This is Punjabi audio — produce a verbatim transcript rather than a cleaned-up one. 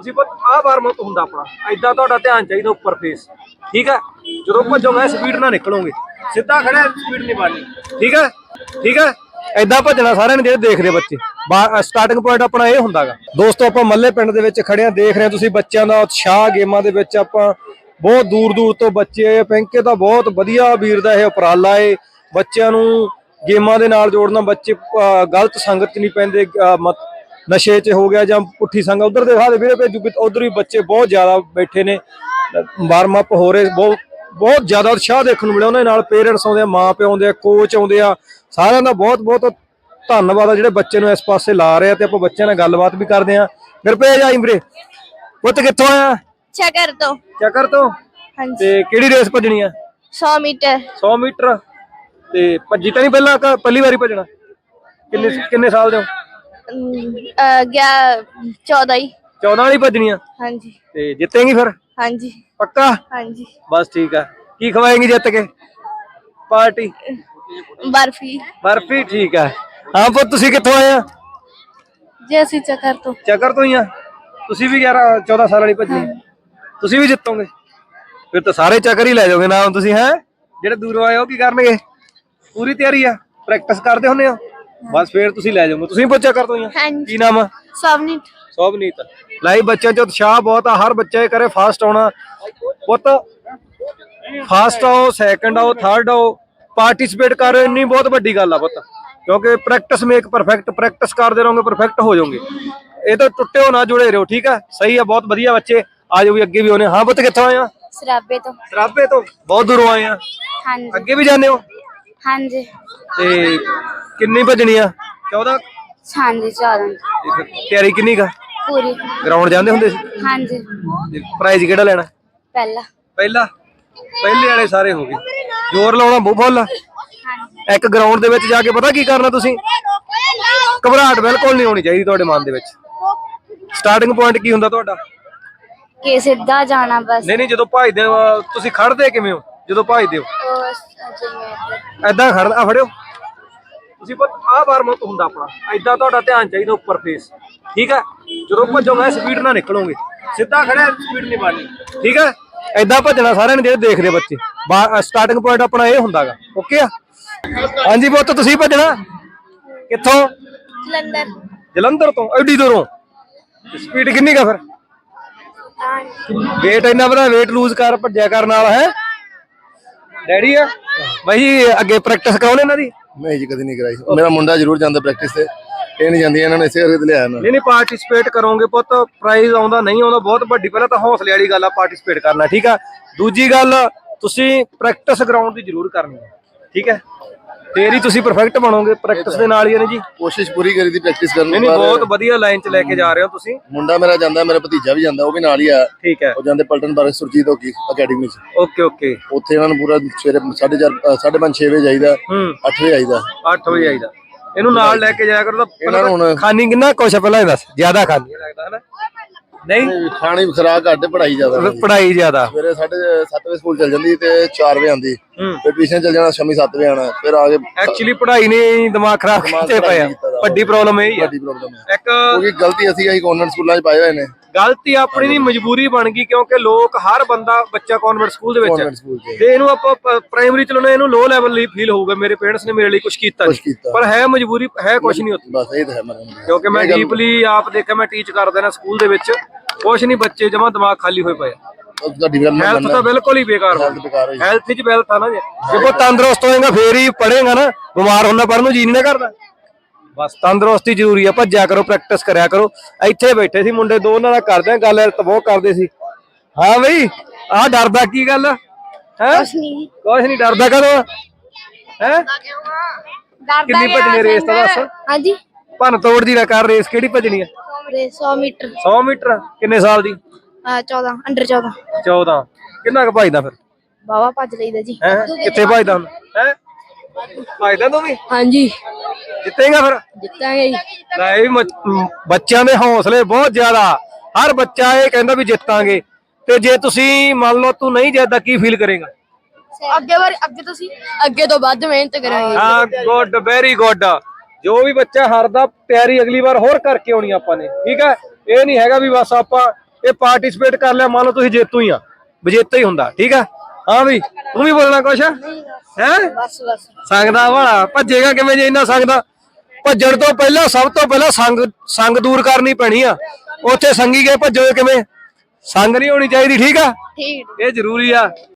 ਤੁਸੀਂ ਆਹ ਵਾਰਮ ਅਪ ਹੁੰਦਾ ਆਪਣਾ, ਏਦਾਂ ਤੁਹਾਡਾ ਧਿਆਨ ਚਾਹੀਦਾ ਉੱਪਰ ਫੇਸ, ਠੀਕ ਹੈ। ਜਦੋਂ ਭੱਜੋਗੇ ਸਪੀਡ ਨਾਲ ਨਿਕਲੋਗੇ, ਸਿੱਧਾ ਖੜਿਆ ਸਪੀਡ ਨਹੀਂ ਮਾਰਨੀ, ਠੀਕ ਹੈ ਠੀਕ ਹੈ। ਏਦਾਂ ਭੱਜਣਾ ਸਾਰਿਆਂ ਨੇ ਜਿਹੜੇ ਦੇਖਦੇ ਬੱਚੇ। ਸਟਾਰਟਿੰਗ ਪੁਆਇੰਟ ਆਪਣਾ ਇਹ ਹੁੰਦਾ ਗਾ। ਦੋਸਤੋ ਆਪਾਂ ਮੱਲੇ ਪਿੰਡ ਦੇ ਵਿੱਚ ਖੜੇ ਆ, ਦੇਖ ਰਹੇ ਹੋ ਤੁਸੀਂ ਬੱਚਿਆਂ ਦਾ ਉਤਸ਼ਾਹ ਗੇਮਾਂ ਦੇ ਵਿੱਚ। ਆਪਾਂ ਬਹੁਤ ਦੂਰ ਦੂਰ ਤੋਂ ਬੱਚੇ ਆਏ, ਪਿੰਕੇ ਤਾਂ ਬਹੁਤ ਵਧੀਆ ਵੀਰ ਦਾ ਇਹ ਉਪਰਾਲਾ ਏ, ਬੱਚਿਆਂ ਨੂੰ ਗੇਮਾਂ ਦੇ ਨਾਲ ਜੋੜਨਾ। ਬੱਚੇ ਗਲਤ ਸੰਗਤ 'ਚ ਨਹੀਂ ਪੈਂਦੇ, ਨਸ਼ੇ 'ਚ ਹੋ ਗਿਆ ਜਾਂ ਪੁੱਠੀ ਸੰਗਤ। ਉਧਰ ਦੇ ਹਾਲੇ ਵੀਰੇ ਭੇਜੂ, ਉਧਰ ਵੀ ਬੱਚੇ ਬਹੁਤ ਜ਼ਿਆਦਾ ਬੈਠੇ ਨੇ, ਵਾਰਮ ਅਪ ਹੋ ਰਹੇ। ਬਹੁਤ ਬਹੁਤ ਜ਼ਿਆਦਾ ਉਤਸ਼ਾਹ ਦੇਖਣ ਨੂੰ ਮਿਲਿਆ। ਉਹਨਾਂ ਨਾਲ ਪੇਰੈਂਟਸ ਆਉਂਦੇ ਆ, ਮਾਂ ਪਿਓ ਆਉਂਦੇ ਆ, ਕੋਚ ਆਉਂਦੇ ਆ, ਸਾਰਿਆਂ ਦਾ ਬਹੁਤ ਬਹੁਤ ਧੰਨਵਾਦ ਆ ਜਿਹੜੇ ਬੱਚੇ ਨੂੰ ਇਸ ਪਾਸੇ ਲਾ ਰਹੇ ਆ। ਤੇ ਆਪਾਂ ਬੱਚਿਆਂ ਨਾਲ ਗੱਲਬਾਤ ਵੀ ਕਰਦੇ ਆ। ਫਿਰ ਭੇਜ ਆਈ ਵੀਰੇ। ਪੁੱਤ ਕਿੱਥੋਂ ਆਇਆ? ਚੱਕਰ ਤੋਂ। ਚੱਕਰ ਤੋਂ? ਹਾਂਜੀ। ਤੇ ਕਿਹੜੀ ਰੇਸ ਭੱਜਣੀ ਆ? ਸੌ ਮੀਟਰ। ਸੌ ਮੀਟਰ। ਤੇ ਭੱਜੀ ਤਾਂ ਨਹੀਂ ਪਹਿਲਾਂ, ਪਹਿਲੀ ਵਾਰੀ ਭੱਜਣਾ? ਕਿੰਨੇ ਕਿੰਨੇ ਸਾਲ ਦੇ ਹੋ? ਚੌਦਾਂ ਹੀ। ਚੌਦਾਂ ਵਾਲੀ ਭੱਜਣੀ ਆ? ਹਾਂਜੀ। ਤੇ ਜਿੱਤੇਂਗੀ ਫਿਰ? ਹਾਂਜੀ। ਪੱਕਾ? ਹਾਂਜੀ। ਬਸ ਠੀਕ ਆ। ਕੀ ਖਵਾਏਂਗੀ ਜਿੱਤ ਕੇ? ਪਾਰਟੀ? ਬਰਫੀ। ਬਰਫੀ, ਠੀਕ ਆ। ਹਾਂ ਪੁੱਤ ਤੁਸੀਂ ਕਿੱਥੋਂ ਆਏ ਆ? ਜੀ ਅਸੀਂ ਚੱਕਰ ਤੋਂ। ਚੱਕਰ ਤੋਂ ਹੀ ਆ। ਤੁਸੀਂ ਵੀ ਗਿਆਰਾਂ ਚੌਦਾਂ ਸਾਲ ਵਾਲੀ ਭੱਜਣੀ? ਤੁਸੀਂ ਵੀ ਜਿੱਤੋਗੇ ਫਿਰ ਤਾਂ? ਸਾਰੇ ਚੱਕਰ ਹੀ ਲੈ ਜਾਓਗੇ ਨਾਮ ਤੁਸੀਂ। ਹੈ ਜਿਹੜੇ ਦੂਰੋਂ ਆਏ ਉਹ ਕੀ ਕਰਨਗੇ? ਪੂਰੀ ਤਿਆਰੀ ਆ? ਪ੍ਰੈਕਟਿਸ ਕਰਦੇ ਹੁੰਦੇ ਹੋ? ਬਸ ਫਿਰ ਤੁਸੀਂ ਲੈ ਜਾਓਗੇ। ਤੁਸੀਂ ਪੁੱਛਿਆ ਕਰ ਤੋਂ ਹੀ ਆ? ਕੀ ਨਾਮ ਆ? ਸਵਨੀਤ। ਸੋਭਨੀਤ। ਲਾਈ ਬੱਚਿਆਂ 'ਚ ਉਤਸ਼ਾਹ ਬਹੁਤ ਆ, ਹਰ ਬੱਚਾ ਇਹ ਕਰੇ ਫਾਸਟ ਆਉਣਾ। ਪੁੱਤ ਫਾਸਟ ਆਓ, ਸੈਕਿੰਡ ਆਓ, ਥਰਡ ਆਓ, ਪਾਰਟਿਸਿਪੇਟ ਕਰੋ, ਇੰਨੀ ਬਹੁਤ ਵੱਡੀ ਗੱਲ ਆ ਪੁੱਤ। ਕਿਉਂਕਿ ਪ੍ਰੈਕਟਿਸ ਮੇਕ ਪਰਫੈਕਟ, ਪ੍ਰੈਕਟਿਸ ਕਰਦੇ ਰਹੋਗੇ ਪਰਫੈਕਟ ਹੋ ਜਾਓਗੇ। ਇਹ ਤਾਂ ਟੁੱਟੇ ਹੋ ਨਾ, ਜੁੜੇ ਰਹੋ, ਠੀਕ ਆ। ਸਹੀ ਆ, ਬਹੁਤ ਵਧੀਆ ਬੱਚੇ। ਆ ਜਾਓ ਵੀ ਅੱਗੇ ਵੀ ਆਉਣੇ। ਹਾਂ ਪੁੱਤ ਕਿੱਥੋਂ ਆਏ ਆ? ਸਰਾਬੇ ਤੋਂ। ਸਰਾਬੇ ਤੋਂ? ਬਹੁਤ ਦੂਰੋਂ ਆਏ ਆ। ਹਾਂਜੀ। ਅੱਗੇ ਵੀ ਜਾਂਦੇ ਹੋ? ਹਾਂਜੀ। ਤੇ ਕਿੰਨੀ ਭੱਜਣੀ ਆ? ਚੌਦਾਂ? ਹਾਂਜੀ ਚੌਦਾਂ। ਤਿਆਰੀ ਕਿੰਨੀ ਕਾ? ਪੂਰੀ। ਗਰਾਊਂਡ ਜਾਂਦੇ ਹੁੰਦੇ ਸੀ? ਹਾਂਜੀ। ਪ੍ਰਾਈਜ਼ ਕਿਹੜਾ ਲੈਣਾ? ਪਹਿਲਾ। ਪਹਿਲਾ? ਪਹਿਲੇ ਵਾਲੇ ਸਾਰੇ ਹੋ ਗਏ। ਜ਼ੋਰ ਲਾਉਣਾ ਬਹੁਤ ਫੁੱਲ। ਇੱਕ ਗਰਾਊਂਡ ਦੇ ਵਿੱਚ ਜਾ ਕੇ ਪਤਾ ਕੀ ਕਰਨਾ ਤੁਸੀਂ? ਘਬਰਾਹਟ ਬਿਲਕੁਲ ਨਹੀਂ ਹੋਣੀ ਚਾਹੀਦੀ ਤੁਹਾਡੇ ਮਨ ਦੇ ਵਿੱਚ। ਸਟਾਰਟਿੰਗ ਪੁਆਇੰਟ ਕੀ ਹੁੰਦਾ ਤੁਹਾਡਾ? ਕਿ ਸਿੱਧਾ ਜਾਣਾ ਬਸ। ਨਹੀਂ ਨਹੀਂ, ਜਦੋਂ ਭੱਜਦੇ ਹੋ ਤੁਸੀਂ ਖੜਦੇ ਕਿਵੇਂ ਹੋ ਜਦੋਂ ਭੱਜਦੇ ਹੋ? ਏਦਾਂ ਖੜਦਾ। ਆ ਫੜਿਓ ਤੁਸੀਂ। ਆਹ ਵਾਰਮ ਅਪ ਹੁੰਦਾ ਆਪਣਾ, ਏਦਾਂ ਤੁਹਾਡਾ ਧਿਆਨ ਚਾਹੀਦਾ ਉੱਪਰ ਫੇਸ, ਠੀਕ ਹੈ। ਜਦੋਂ ਭੱਜੋਗੇ ਸਪੀਡ ਨਾਲ ਨਿਕਲੋਗੇ, ਸਿੱਧਾ ਖੜਿਆ ਸਪੀਡ ਨਹੀਂ ਮਾਰਨੀ, ਠੀਕ ਹੈ। ਏਦਾਂ ਭੱਜਣਾ ਸਾਰਿਆਂ ਨੇ ਜਿਹੜੇ ਦੇਖਦੇ ਬੱਚੇ। ਸਟਾਰਟਿੰਗ ਪੁਆਇੰਟ ਆਪਣਾ ਇਹ ਹੁੰਦਾ ਗਾ। ਓਕੇ ਆ? ਹਾਂਜੀ ਪੁੱਤ ਤੁਸੀਂ ਭੱਜਣਾ ਕਿੱਥੋਂ? ਜਲੰਧਰ। ਜਲੰਧਰ ਤੋਂ? ਐਡੀ ਦੂਰੋਂ? ਸਪੀਡ ਕਿੰਨੀ ਕਾ ਫਿਰ? ਵੇਟ ਇੰਨਾ ਵਧਾ, ਵੇਟ ਲੂਜ਼ ਕਰ, ਭੱਜਿਆ ਕਰਨ ਨਾਲ। ਹੈ ਡੈਡੀ ਆ ਬਾਈ ਅੱਗੇ ਪ੍ਰੈਕਟਿਸ ਕਰਾਉਣੇ ਇਹਨਾਂ ਦੀ? ਨਹੀਂ ਜੀ, ਕਦੀ ਨਹੀਂ ਕਰਾਈ। ਮੇਰਾ ਮੁੰਡਾ ਜ਼ਰੂਰ ਜਾਂਦਾ ਪ੍ਰੈਕਟਿਸ ਤੇ, ਇਹ ਨਹੀਂ ਜਾਂਦੀ। ਇਹਨਾਂ ਨੇ ਇਸੇ ਕਰਕੇ ਲਿਆਇਆ ਨਾ। ਨਹੀਂ ਨਹੀਂ, ਪਾਰਟਿਸਿਪੇਟ ਕਰੋਗੇ ਪੁੱਤ, ਪ੍ਰਾਈਜ਼ ਆਉਂਦਾ ਨਹੀਂ ਆਉਂਦਾ ਬਹੁਤ ਵੱਡੀ। ਪਹਿਲਾਂ ਤਾਂ ਹੌਸਲੇ ਵਾਲੀ ਗੱਲ ਆ ਪਾਰਟਿਸਿਪੇਟ ਕਰਨਾ, ਠੀਕ ਆ। ਦੂਜੀ ਗੱਲ ਤੁਸੀਂ ਪ੍ਰੈਕਟਿਸ ਗਰਾਊਂਡ ਦੀ ਜ਼ਰੂਰ ਕਰਨੀ ਹੈ, ਠੀਕ ਹੈ। ਫੇਰ ਹੀ ਤੁਸੀਂ ਪਰਫੈਕਟ ਬਣੋਗੇ। ਪ੍ਰੈਕਟਿਸ ਦੇ ਨਾਲ ਹੀ ਨੇ ਜੀ। ਕੋਸ਼ਿਸ਼ ਪੂਰੀ ਕਰੀ ਦੀ ਪ੍ਰੈਕਟਿਸ ਕਰਨ ਦੀ। ਨਹੀਂ ਬਹੁਤ ਵਧੀਆ ਲਾਈਨ 'ਚ ਲੈ ਕੇ ਜਾ ਰਹੇ ਹੋ ਤੁਸੀਂ। ਮੁੰਡਾ ਮੇਰਾ ਜਾਂਦਾ, ਮੇਰਾ ਭਤੀਜਾ ਵੀ ਜਾਂਦਾ, ਉਹ ਵੀ ਨਾਲ ਹੀ ਆ। ਠੀਕ ਹੈ। ਉਹ ਜਾਂਦੇ ਪਲਟਨ ਬਾਰੇ ਸੁਰਜੀਤ ਹੋਕੀ ਅਕੈਡਮੀ 'ਚ। Okay okay. ਉੱਥੇ ਇਹਨਾਂ ਨੂੰ ਪੂਰਾ ਸਵੇਰੇ ਸਾਢੇ ਚਾਰ ਸਾਢੇ ਪੰਜ ਛੇ ਵਜੇ ਜਾਈਦਾ, ਅੱਠ ਵਜੇ ਆਈਦਾ। ਅੱਠ ਵਜੇ ਆਈਦਾ। ਇਹਨੂੰ ਨਾਲ ਲੈ ਕੇ ਜਾਇਆ ਕਰੋ। ਇਹਨਾਂ ਨੂੰ ਹੁਣ ਖਾਣੀ ਕਿੰਨਾ ਕੁਛ ਪਹਿਲਾਂ ਇਹ ਦੱਸ? ਜ਼ਿਆਦਾ ਖਾਣੀ ਲੱਗਦਾ ਹੈ? ਨਹੀਂ, ਖਾਣੀ ਖੁਰਾਕ ਘੱਟ, ਪੜ੍ਹਾਈ ਜ਼ਿਆਦਾ। ਪੜ੍ਹਾਈ ਜ਼ਿਆਦਾ। ਸਵੇਰੇ ਸਾਢੇ ਸੱਤ ਵਜੇ ਸਕੂਲ ਚੱਲ ਜਾਂਦੀ ਤੇ ਚਾਰ ਵਜੇ ਆਉਂਦੀ। ਫਿਰ ਟਿਊਸ਼ਨ ਚੱਲ ਜਾਣਾ, ਸ਼ਾਮੀ ਸੱਤ ਵਜੇ ਆਉਣਾ। ਫਿਰ ਆ ਕੇ ਐਕਚੁਅਲੀ ਪੜ੍ਹਾਈ ਨੇ ਦਿਮਾਗ ਖਰਾਬ ਕੀਤੇ ਪਿਆ। ਵੱਡੀ ਪ੍ਰੋਬਲਮ ਇਹ ਹੀ ਹੈ। ਇੱਕ ਕਿਉਂਕਿ ਗਲਤੀ ਅਸੀਂ ਅਸੀਂ ਕਨਵੈਂਟ ਸਕੂਲਾਂ 'ਚ ਪਾਏ ਹੋਏ ਨੇ। ਗਲਤੀ ਆਪਣੀ ਨਹੀਂ, ਮਜਬੂਰੀ ਬਣ ਗਈ। ਕਿਉਂਕਿ ਲੋਕ ਹਰ ਬੰਦਾ ਬੱਚਾ ਕਨਵੈਂਟ ਸਕੂਲ ਦੇ ਵਿੱਚ, ਤੇ ਇਹਨੂੰ ਆਪਾਂ ਪ੍ਰਾਇਮਰੀ ਚਲਾਉਣਾ, ਇਹਨੂੰ ਲੋ ਲੈਵਲ ਲਈ ਫੀਲ ਹੋਊਗਾ ਮੇਰੇ ਪੇਰੈਂਟਸ ਨੇ ਮੇਰੇ ਲਈ ਕੁਝ ਕੀਤਾ ਨਹੀਂ, ਪਰ ਹੈ ਮਜਬੂਰੀ, ਹੈ ਕੁਝ ਨਹੀਂ ਉੱਥੇ। ਬਸ ਇਹ ਤਾਂ ਹੈ। ਕਿਉਂਕਿ ਮੈਂ ਡੀਪਲੀ ਆਪ ਦੇਖਿਆ, ਮੈਂ ਟੀਚ ਕਰਦਾ ਨਾ ਸਕੂਲ ਦੇ ਵਿੱਚ, ਕੁਛ ਨਹੀਂ, ਬੱਚੇ ਜਮਾਂ ਦਿਮਾਗ ਖਾਲੀ ਹੋਏ ਪਏ। ਹੈਲਥ ਤਾਂ ਬਿਲਕੁਲ ਹੀ ਬੇਕਾਰ ਹੋ ਗਈ। ਹੈਲਥ ਚ ਵੈਲਥ ਆ ਨਾ। ਜੇ ਜੇ ਤੰਦਰੁਸਤ ਹੋਏਗਾ ਫੇਰ ਹੀ ਪੜ੍ਹੇਗਾ ਨਾ। ਬਿਮਾਰ ਹੁੰਦਾ ਪੜ੍ਹਨ ਨੂੰ ਜੀ ਨਹੀਂ ਕਰਦਾ। ਬਸ ਤੰਦਰੁਸਤੀ ਜ਼ਰੂਰੀ ਆ। ਭੱਜਿਆ ਕਰੋ, ਪ੍ਰੈਕਟਿਸ ਕਰਿਆ ਕਰੋ। ਇੱਥੇ ਬੈਠੇ ਸੀ ਮੁੰਡੇ ਦੋ, ਉਹਨਾਂ ਨਾਲ ਕਰਦੇ ਆ ਗੱਲ, ਤਾਂ ਬਹੁਤ ਕਰਦੇ ਸੀ। ਹਾਂ ਬਈ, ਆਹ ਡਰਦਾ ਕੀ ਗੱਲ ਹੈ? ਕੁਛ ਨਹੀਂ ਡਰਦਾ ਕਦੋਂ? ਹੈ ਕਿੰਨੀ ਭੱਜਣੀ ਰੇਸ ਤਾਂ ਦੱਸ? ਹਾਂਜੀ। ਭੰਨ ਤੋੜ ਦੀ ਨਾ ਕਰ। ਰੇਸ ਕਿਹੜੀ ਭੱਜਣੀ ਆ? ਸੌ ਮੀਟਰ। ਸੌ ਮੀਟਰ? ਕਿੰਨੇ ਸਾਲ ਦੀ? ਚੌਦਾਂ, ਅੰਡਰ ਚੌਦਾਂ। ਚੌਦਾਂ? ਕਿੰਨਾ ਕੁ ਭੱਜਦਾ ਫਿਰ? ਬਾਵਾ ਭੱਜ ਲਈਦਾ ਜੀ। ਹੈ ਕਿੱਥੇ ਭੱਜਦਾ ਹੁਣ? ਹੈ ਭੱਜਦਾ ਤੂੰ ਵੀ? ਹਾਂਜੀ। ਜਿੱਤੇਗਾ ਫਿਰ? ਜਿੱਤਾਂਗੇ ਜੀ। ਲੈ ਵੀ ਬੱਚਿਆਂ ਦੇ ਹੌਸਲੇ ਬਹੁਤ ਜ਼ਿਆਦਾ। ਹਰ ਬੱਚਾ ਇਹ ਕਹਿੰਦਾ ਵੀ ਜਿੱਤਾਂਗੇ। ਤੇ ਜੇ ਤੁਸੀਂ ਮੰਨ ਲਓ ਤੂੰ ਨਹੀਂ ਜਿੱਤਦਾ, ਕੀ ਫੀਲ ਕਰੇਗਾ? ਅੱਗੇ ਵਾਰ ਅੱਗੇ ਤੁਸੀਂ ਅੱਗੇ ਤੋਂ ਵੱਧ ਮਿਹਨਤ ਕਰਾਂਗੇ। ਹਾਂ, ਗੁੱਡ, ਵੈਰੀ ਗੁੱਡ। ਜੋ ਵੀ ਬੱਚਾ ਹਾਰਦਾ, ਤਿਆਰੀ ਅਗਲੀ ਵਾਰ ਹੋਰ ਕਰਕੇ ਆਉਣੀ ਆਪਾਂ ਨੇ, ਠੀਕ ਹੈ। ਇਹ ਨਹੀਂ ਹੈਗਾ ਵੀ ਬਸ ਆਪਾਂ ਇਹ ਪਾਰਟਿਸਿਪੇਟ ਕਰ ਲਿਆ, ਮੰਨ ਲਓ ਤੁਸੀਂ ਜੇਤੂ ਹੀ ਆ, ਵਿਜੇਤਾ ਹੀ ਹੁੰਦਾ, ਠੀਕ ਆ। ਹਾਂ ਵੀ ਤੂੰ ਵੀ ਬੋਲਣਾ ਕੁਛ ਹੈ? ਬਸ ਬਸ ਸੰਗਦਾ ਵਾਲਾ ਭੱਜੇਗਾ ਕਿਵੇਂ ਜੇ ਇੰਨਾ ਸੰਗਦਾ? ਭੱਜਣ ਤੋਂ ਪਹਿਲਾਂ ਸਭ ਤੋਂ ਪਹਿਲਾਂ ਸੰਗ ਸੰਗ ਦੂਰ ਕਰਨੀ ਪੈਣੀ ਆ। ਉੱਥੇ ਸੰਗੀ ਗਏ ਭੱਜੋਗੇ ਕਿਵੇਂ? ਸੰਗ ਨਹੀਂ ਹੋਣੀ ਚਾਹੀਦੀ, ਠੀਕ ਆ, ਠੀਕ ਇਹ ਜ਼ਰੂਰੀ ਆ।